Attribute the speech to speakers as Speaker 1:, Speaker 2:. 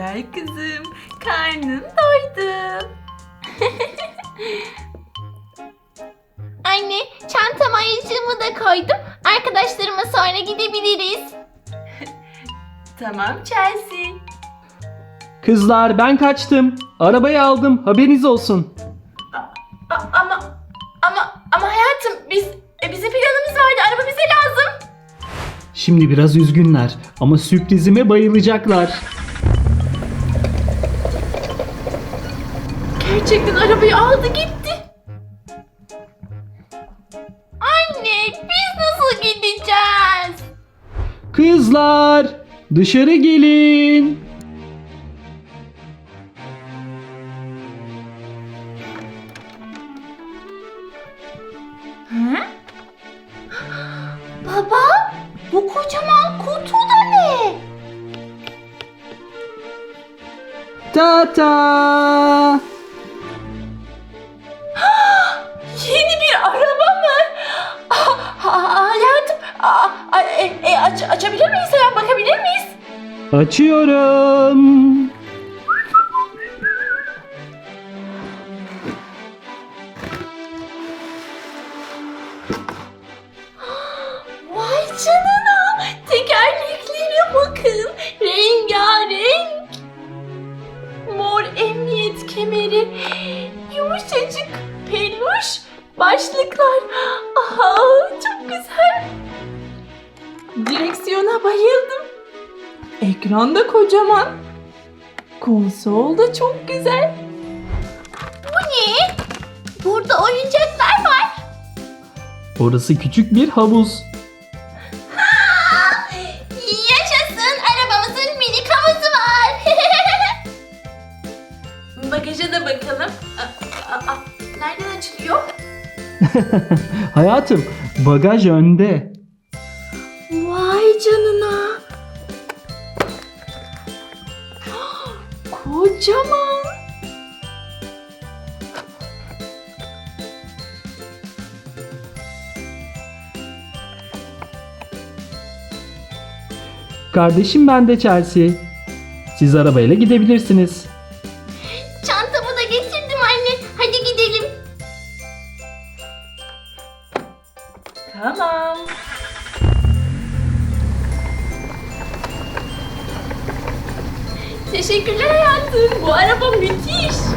Speaker 1: Güzel kızım, karnın doydu.
Speaker 2: Anne, çantama ayıcığımı da koydum. Arkadaşlarıma sonra gidebiliriz.
Speaker 1: Tamam Chelsea.
Speaker 3: Kızlar ben kaçtım. Arabayı aldım. Haberiniz olsun.
Speaker 1: Ama hayatım bizim planımız vardı. Araba bize lazım.
Speaker 3: Şimdi biraz üzgünler ama sürprizime bayılacaklar.
Speaker 1: Gerçekten arabayı aldı gitti.
Speaker 2: Anne, biz nasıl gideceğiz?
Speaker 3: Kızlar dışarı gelin.
Speaker 2: Baba, bu kocaman kutu da ne?
Speaker 3: Ta.
Speaker 1: Yeni bir araba mı? Hayatım açabilir miyiz? Hemen bakabilir miyiz?
Speaker 3: Açıyorum.
Speaker 1: Vay canına. Tekerleklere bakın. Rengarenk. Mor emniyet kemeri. Yumuşacık peluş başlıklar. Aha, çok güzel. Direksiyona bayıldım. Ekran da kocaman. Konsol da çok güzel.
Speaker 2: Bu ne? Burada oyuncaklar var.
Speaker 3: Orası küçük bir havuz.
Speaker 2: Yaşasın, arabamızın minik havuzu var.
Speaker 1: Bagaja da bakalım. Nereden açılıyor?
Speaker 3: Hayatım bagaj önde.
Speaker 1: Vay canına. Kocaman.
Speaker 3: Kardeşim ben de Chelsea. Siz arabayla gidebilirsiniz.
Speaker 2: Çantamı da getirdim anne. Hadi gidelim.
Speaker 1: Tamam. Teşekkürler hayatım. Bu araba müthiş.